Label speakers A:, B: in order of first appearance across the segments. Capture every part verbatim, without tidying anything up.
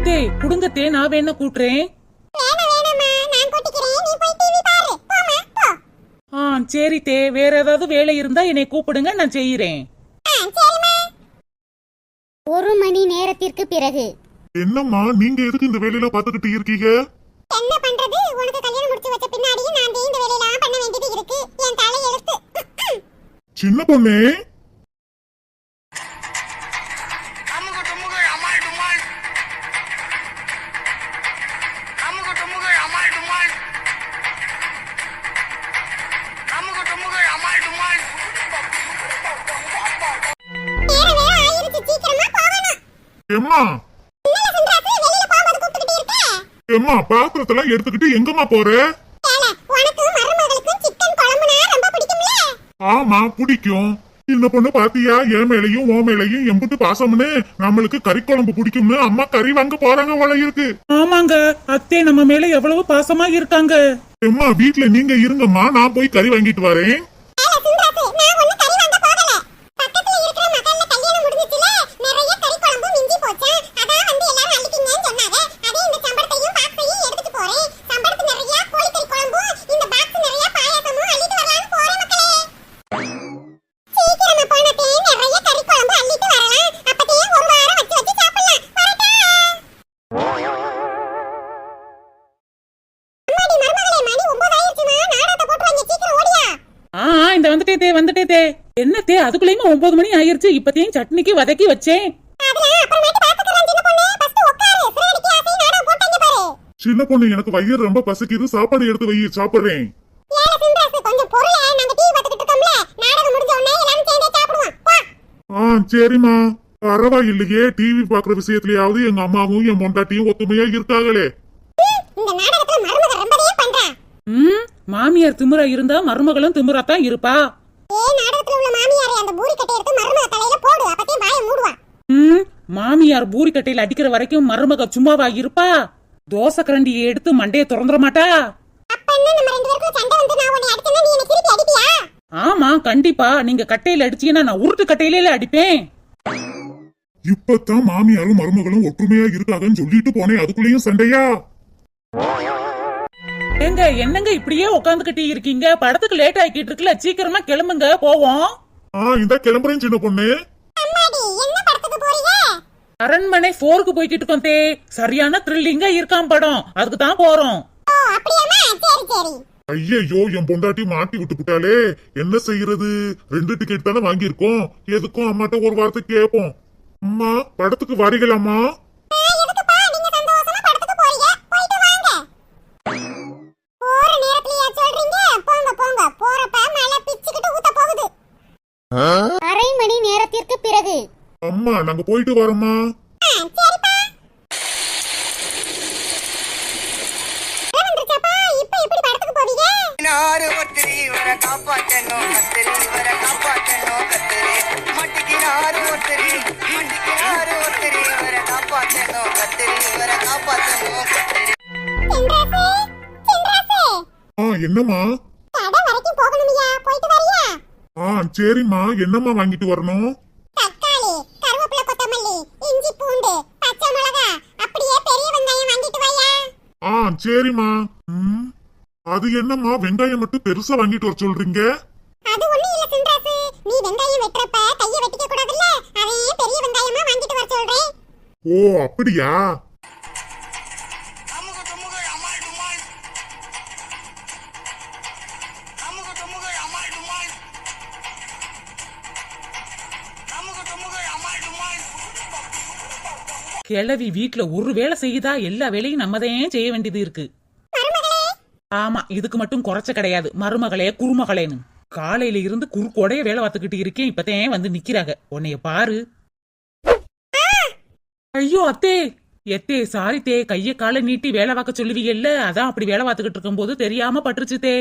A: அத்தே குடுங்கத்தே, நான் வேணா கூட்டுறேன். ஆ சரி தே, வேற ஏதாவது வேலை இருந்தா என்னை கூப்பிடுங்க, நான் செய்யறேன்.
B: ஒரு மணி நேரத்திற்கு பிறகு.
C: என்னம்மா நீங்க எதுக்கு இந்த வேலையில பாத்துக்கிட்டு இருக்கீங்க?
B: என்ன பண்றது, உனக்கு கல்யாணம் முடிச்சு வச்ச பின்னாடியே நான் இந்த வேலையெல்லாம் பண்ண வேண்டியது இருக்கு. என் தலை எழுத்து.
C: சின்ன பொண்ணே, எம்மா எம்மா பாத்திரத்தெல்லாம் எடுத்துக்கிட்டு எங்கம்மா போற? ஆமா பிடிக்கும். சின்ன பொண்ணு பாத்தியா, என் மேலையும் ஓ மேலையும் எம்புட்டு பாசம்னு நம்மளுக்கு கறி குழம்பு பிடிக்கும்னு அம்மா கறி வாங்க போறாங்க போல இருக்கு.
A: ஆமாங்க அத்தே, நம்ம மேல எவ்வளவு பாசமா இருக்காங்க.
C: எம்மா வீட்டுல நீங்க இருங்கம்மா, நான் போய் கறி வாங்கிட்டு வரேன்.
A: என்னத்தே அதுக்குள்ளேயுமே ஒன்பது மணி ஆயிருச்சு, இப்பத்தையும் சட்னிக்கு வதக்கி வச்சேன்.
C: சின்ன பொண்ணு எனக்கு வயிறு ரொம்ப பசிக்குது, சாப்பாடு எடுத்து வை, சாப்பிடுறேன். ஆ சரிம்மா, பரவாயில்லையே, டிவி பாக்குற விஷயத்திலயாவது எங்க அம்மாவும் என் பொண்டாட்டியும் ஒத்துமையா இருக்காங்களே.
A: ம் மாமியார் திமிரா இருந்தா மருமகளும் திமிராத்தான் இருப்பா. மாமியார் பூரி கட்டையில அடிக்கிற வரைக்கும் மருமக சும்மாவா இருப்பா? தோசை கரண்டியை எடுத்து மண்டைய திறந்துட மாட்டா? ஆமா கண்டிப்பா, நீங்க கட்டையில அடிச்சீங்கன்னா நான் உருட்டு கட்டையில அடிப்பேன்.
C: இப்பதான் மாமியாரும் மருமகளும் ஒற்றுமையா இருக்காங்கன்னு சொல்லிட்டு போனேன், அதுக்குள்ளேயும் சண்டையா?
A: ஏங்க என்னங்க இப்படியே உட்காந்துக்கிட்டு இருக்கீங்க? படத்துக்கு லேட் ஆகிட்டு இருக்குல்ல, சீக்கிரமா கிளம்புங்க போவோம்.
C: ஆ இந்த கிளம்புறேன் சின்ன பொண்ணு.
A: அரண்மனை போருக்கு போய்கிட்டு இருக்கோம் தே, சரியான த்ரில்லிங்கா இருக்காம் படம், அதுக்கு தான் போறோம்.
C: ஐயோ என் பொண்டாட்டி மாட்டி விட்டு விட்டாலே, என்ன செய்யறது? ரெண்டு டிக்கெட் தானே வாங்கியிருக்கோம், எதுக்கும் அம்மாட்ட ஒரு வார்த்தை கேட்போம். அம்மா படத்துக்கு வரீங்களாம்மா?
B: அரை மணி நேரத்திற்கு பிறகு.
C: அம்மா நாங்க போயிட்டு வரோம்மா. என்னம்மா? ஆ சரிம்மா, என்னம்மா வாங்கிட்டு வரணும்?
B: தக்காளி, கருவேப்பிலை, கொத்தமல்லி, இஞ்சி, பூண்டு, பச்சை மிளகாய், அப்படியே பெரிய வெங்காயம் வாங்கிட்டு வாயா.
C: ஆ சரிம்மா. ம் அது என்னம்மா வெங்காயம் மட்டும் பெருசா வாங்கிட்டு வர சொல்றீங்க?
B: அது ஒண்ணு இல்ல சின்ராசு, நீ வெங்காயம் வெட்டறப்ப கைய வெட்டிக்க கூடாதுல்ல, அதே பெரிய வெங்காயமா வாங்கிட்டு வர சொல்றேன்.
C: ஓ அப்படியா?
A: கிழவி வீட்டுல ஒரு வேலை செய்யுதா, எல்லா வேலையும் நம்மதான் செய்ய வேண்டியது இருக்கு. ஆமா இதுக்கு மட்டும் குறைச்ச கிடையாது, மருமகளே குருமகளேன்னு காலையில இருந்து குறுக்கோடைய வேலை பார்த்துக்கிட்டு இருக்கேன், இப்பதான் வந்து நிக்கிறாங்க. உன்னைய பாரு. ஐயோ அத்தே, எத்தே சாரி தே, கைய கால நீட்டி வேலை பார்க்க சொல்லுவீங்கல்ல, அதான் அப்படி வேலை பார்த்துக்கிட்டு இருக்கும் போது தெரியாம பட்டுருச்சு தே.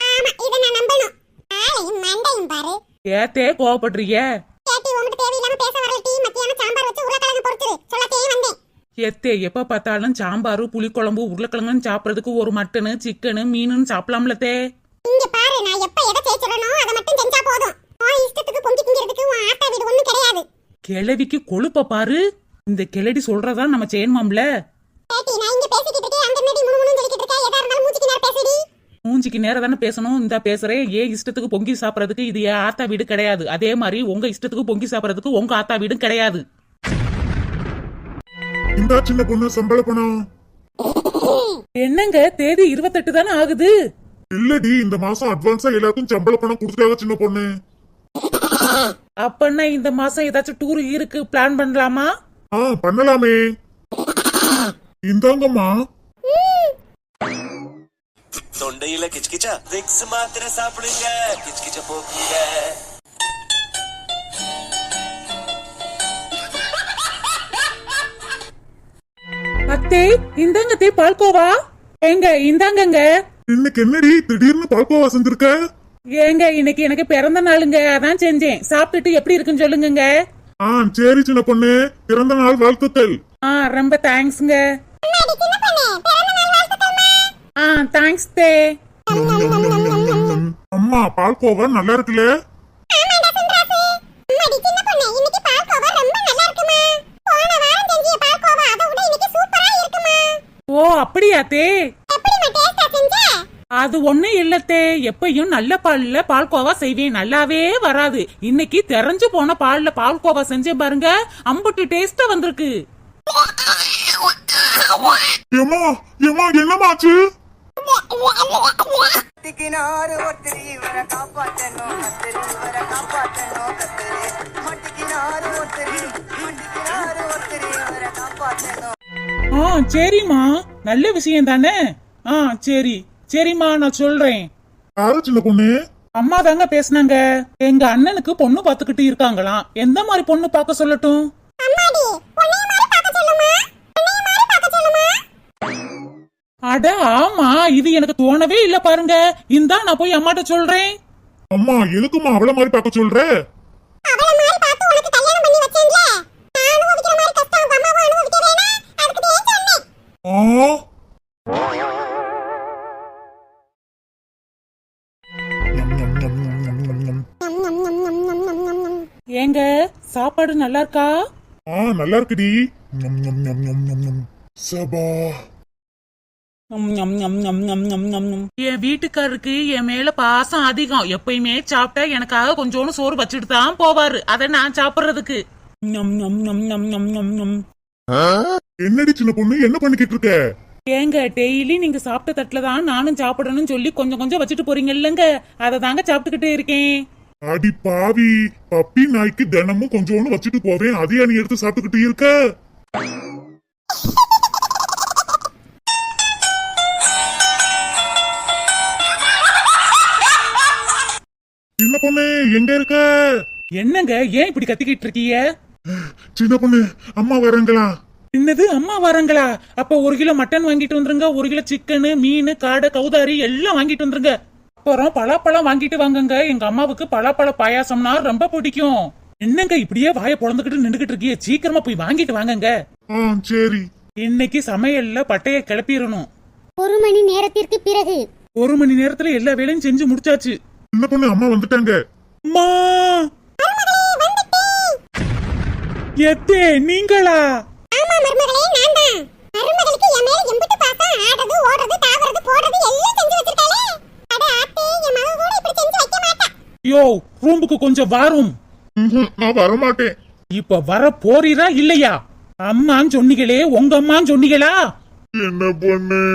A: ஏத்தே கோவப்படுறீங்க? எத்தே எப்ப பார்த்தாலும் சாம்பாரு புளிக்குழம்பு உருளைக்கிழங்கு சாப்பிடறதுக்கு ஒரு மட்டனு சிக்கனு மீனுன்னு சாப்பிடலாம்ல தே.
B: இங்க பாரு, நான் எப்ப எதை செய்யறனோ அத மட்டும் செஞ்சா போதும். உன் இஷ்டத்துக்கு பொங்கி திங்கிறதுக்கு உன் ஆட்டா வீடு ஒண்ணும் கிடையாது.
A: கிழவிக்கு கொழுப்ப பாரு. இந்த கிழடி சொல்றதா நம்ம செய்யணுமாம்ல. மூஞ்சிக்கு நேரா தானே பேசணும். இந்த பேசுறேன். ஏன் இஷ்டத்துக்கு பொங்கி சாப்பிடறதுக்கு இது என் ஆத்தா வீடு கிடையாது. அதே மாதிரி உங்க இஷ்டத்துக்கு பொங்கி சாப்பிடறதுக்கு உங்க ஆத்தா வீடும் கிடையாது.
C: இந்த சின்ன பொண்ணு சம்பள பணம்.
A: என்னங்க தேதி இருபத்தெட்டு தானே ஆகுது.
C: இல்லடி, இந்த மாசம் அட்வான்ஸா எல்லாருக்கும் சம்பள பணம் கொடுத்துட்டாங்க சின்ன பொண்ணு.
A: அப்பன்னா இந்த மாசம் ஏதாச்சும் டூர் இருக்கு பிளான் பண்ணலாமா?
C: ஆ பண்ணலாமே. இந்தாங்கம்மா.
D: தொண்டையில கிச்கிச்சா விக்ஸ் மாத்திரை சாப்பிடுங்க, கிச்கிச்ச போக்குங்க.
A: அத்தே இந்தாங்க தே பால்கோவா. ஏங்க இந்தாங்கங்க.
C: இன்னைக்கு என்னடி திடீர்னு பால்கோவா செஞ்சிருக்க?
A: ஏங்க இன்னைக்கு எனக்கு பிறந்த நாளுங்க, அதான் செஞ்சேன். சாப்பிட்டுட்டு எப்படி இருக்குன்னு சொல்லுங்க.
C: ஆ சரி சின்ன பொண்ணு, பிறந்த நாள் வாழ்த்துக்கள்.
A: ஆ ரொம்ப தேங்க்ஸ்ங்க. ஆ தேங்க்ஸ் தே.
C: அம்மா பால்கோவா நல்லா இருக்குல்ல? ஓ அப்படியா தே? அது ஒண்ணும் இல்லத்தே, எப்பயும் நல்ல பால்ல பால்கோவா செய்வேன், நல்லாவே வராது. இன்னைக்கு தெரிஞ்சு போன பால்ல பால்கோவா செஞ்சேன் பாருங்க, அம்புட்டு டேஸ்டா வந்திருக்கு. ஏமா ஏமா என்னமாச்சு?
A: ஆ சரிம்மா, நல்ல விஷயம் தானே. ஆ சரி சரிம்மா, நான் சொல்றேன்.
C: யாரு சின்ன பொண்ணு?
A: அம்மா தாங்க பேசுனாங்க. எங்க அண்ணனுக்கு பொண்ணு பாத்துக்கிட்டு இருக்காங்களாம். எந்த மாதிரி பொண்ணு பார்க்க சொல்லட்டும்? அட ஆமா, இது எனக்கு தோணவே இல்ல பாருங்க. இந்தா நான் போய் அம்மாட்ட சொல்றேன்.
C: அம்மா எதுக்குமா அவள மாதிரி பார்க்க சொல்ற? ஆ
A: ஏங்க சாப்பாடு நல்லா இருக்கா?
C: ஆ நல்லா இருக்குடி. சபா
A: என் வீட்டுக்காரருக்கு என் மேல பாசம் அதிகம். எப்பயுமே சாப்பிட்டா எனக்காக கொஞ்சோண்டு சோறு வச்சுட்டு தான் போவாரு, அதை நான் சாப்பிடுறதுக்கு.
C: என்னடி சின்ன பொண்ணு என்ன பண்ணிக்கிட்டு இருக்க?
A: ஏங்க டெய்லி நீங்க சாப்பிட்ட தட்டுல தான் நானும் சாப்பிடணும்னு சொல்லி கொஞ்சம் கொஞ்சம் வச்சுட்டு போறீங்க இல்லங்க, அதை தாங்க சாப்பிட்டுக்கிட்டே இருக்கேன்.
C: அடி பாவி, பப்பி நாய்க்கு தினமும் கொஞ்சோன்னு வச்சுட்டு போவேன், அதையா நீ எடுத்து சாப்பிட்டுக்கிட்டு இருக்க? சின்ன பொண்ணு எங்க இருக்க?
A: என்னங்க ஏன் இப்படி கத்திக்கிட்டு இருக்கீங்க?
C: சின்ன பொண்ணு அம்மா வரங்களா?
A: என்னது அம்மா வராங்களா? அப்ப ஒரு கிலோ மட்டன் வாங்கிட்டு வந்துருங்க, ஒரு கிலோ சிக்கனு, மீன், காடை, கௌதாரி எல்லாம் வாங்கிட்டு வந்துருங்க. அப்புறம் பலாப்பழம் வாங்கிட்டு வாங்குங்க, எங்க அம்மாவுக்கு பலாப்பழ பாயாசம்னா ரொம்ப பிடிக்கும். என்னங்க இப்படியே வாயை பொழந்துகிட்டு நின்றுகிட்டு இருக்கிய, சீக்கிரமா போய் வாங்கிட்டு வாங்குங்க.
C: ஆ சரி.
A: இன்னைக்கு சமையல்ல பட்டைய கிளப்பிடணும்.
B: ஒரு மணி நேரத்திற்கு பிறகு
A: ஒரு மணி நேரத்துல எல்லா வேலையும் செஞ்சு முடிச்சாச்சு.
C: சின்ன பொண்ணு அம்மா வந்துட்டாங்க.
A: அம்மா எத்தே நீங்களா?
B: ஆமா மருமகளே, நான் தான். மருமகளுக்கு என் மேல எம்பிட்டு பாசம், ஆடுறது ஓடுறது தாவறது போடுறது எல்லாம் செஞ்சு வச்சிருக்காளே. அட ஆத்தே, என் மகள் கூட இப்படி செஞ்சு வைக்க மாட்டா.
A: யோ ரூமுக்கு கொஞ்சம் வாரும்.
C: ம்ஹும், நான் வரமாட்டேன்.
A: இப்ப வர போறீரா இல்லையா? அம்மான்னு சொன்னீங்களே, உங்க அம்மான்னு சொன்னீங்களா?
C: என்ன பொண்ணு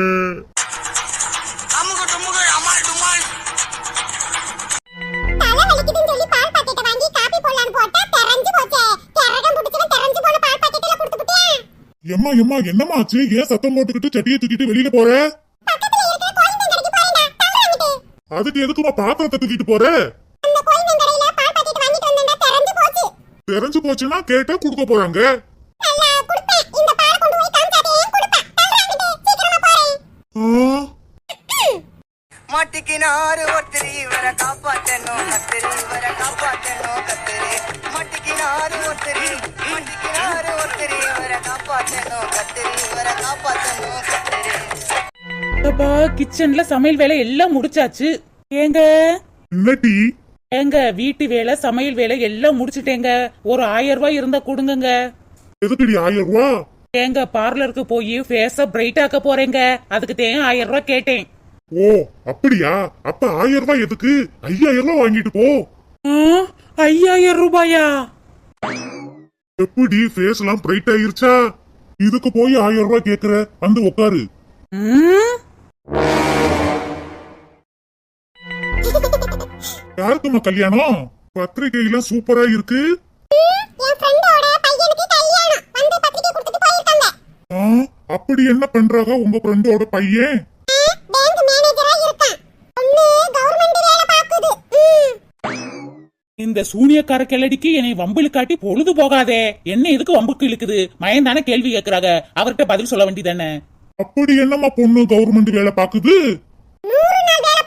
B: தலை வலிக்குதுன்னு சொல்லி பால் பாக்கெட்டை வாங்கி காபி போடலான்னு போட்டா தெரிஞ்சு போச்சே. கரகம் புடிச்சவன் தெரிஞ்சு போன பால் பாக்கெட்ல கொடுத்துட்டேன்.
C: எம்மா எம்மா என்னமாச்சு? ஏன் சத்தம் போட்டுக்கிட்டு சட்டியை தூக்கிட்டு வெளியில போற?
B: பக்கத்துல இருக்கிற கோயில்மேன் கடைக்கு போறேன்டா, தள்ளு வாங்கிட்டு.
C: அதுக்கு எதுக்குமா பாத்திரத்தை தூக்கிட்டு போற?
B: அந்த கோயில்மேன் கடையில பால் பாக்கெட் வாங்கிட்டு வந்தேன்டா, தெரிஞ்சு போச்சு.
C: தெரிஞ்சு போச்சுன்னா கேட்டா குடுக்க போறாங்க.
B: நல்லா குடுப்பேன். இந்த பாலை கொண்டு போய் காமிச்சாதே குடுப்பேன். தள்ளு வாங்கிட்டு சீக்கிரமா போறேன்.
C: ஆ
D: மட்டிக்கினாரு ஒருத்தரி இவரை காப்பாற்றணும் கத்திரி, இவரை காப்பாற்றணும் கத்திரி. மட்டிக்கினாரு ஒருத்தரி, மட்டிக்கினாரு ஒருத்தரி இவரை காப்பாற்றணும் கத்திரி, இவரை காப்பாற்றணும் கத்திரி.
A: அப்பா கிச்சன்ல சமையல் வேலை எல்லாம் முடிச்சாச்சு. ஏங்க
C: என்னடி?
A: ஏங்க வீட்டு வேலை சமையல் வேலை எல்லாம் முடிச்சிட்டேங்க. ஒரு ஆயிரம் ரூபாய் இருந்தா கொடுங்க.
C: எதுக்குடி ஆயிரம் ரூபா?
A: ஏங்க பார்லருக்கு போய் ஃபேஸ பிரைட் ஆக்க போறேங்க, அதுக்கு தேன் ஆயிரம் ரூபாய் கேட்டேன்.
C: ஓ அப்படியா? அப்ப ஆயிரம் ரூபாய் எதுக்கு? ஐயாயிரம் ரூபாய் வாங்கிட்டு போ.
A: ஆ, ஐயாயிரம் ரூபாயா?
C: எப்படி ஃபேஸ் எல்லாம் பிரைட் ஆயிருச்சா? இதுக்கு போய் ஆயிரம் ரூபாய் கேக்குற? வந்து உட்காரு.
A: ம்,
C: யாருக்குமா கல்யாணம்? பத்திரிகையெல்லாம் சூப்பரா இருக்கு.
B: என் ஃப்ரெண்டோட பையனுக்கு கல்யாணம் வந்து பத்திரிக்கை கொடுத்துட்டு போயிருக்காங்க.
C: ஆ, அப்படி என்ன பண்றாங்க உங்க ஃப்ரெண்டோட பையன்?
B: பேங்க் மேனேஜரா இருக்கான். பொண்ணு கவர்மெண்ட் வேலை பாக்குது. ம்.
A: இந்த சூனியக்கார கிளடிக்கு என்னை வம்பிழு காட்டி பொழுது போகாதே. என்ன எதுக்கு வம்புக்கு இழுக்குது? மயந்தானே கேள்வி கேக்குறாங்க, அவர்கிட்ட பதில் சொல்ல வேண்டியதானே.
C: அப்படி என்னம்மா பொண்ணு கவர்மெண்ட் வேலை பாக்குது?
B: நூறு நாள் வேலை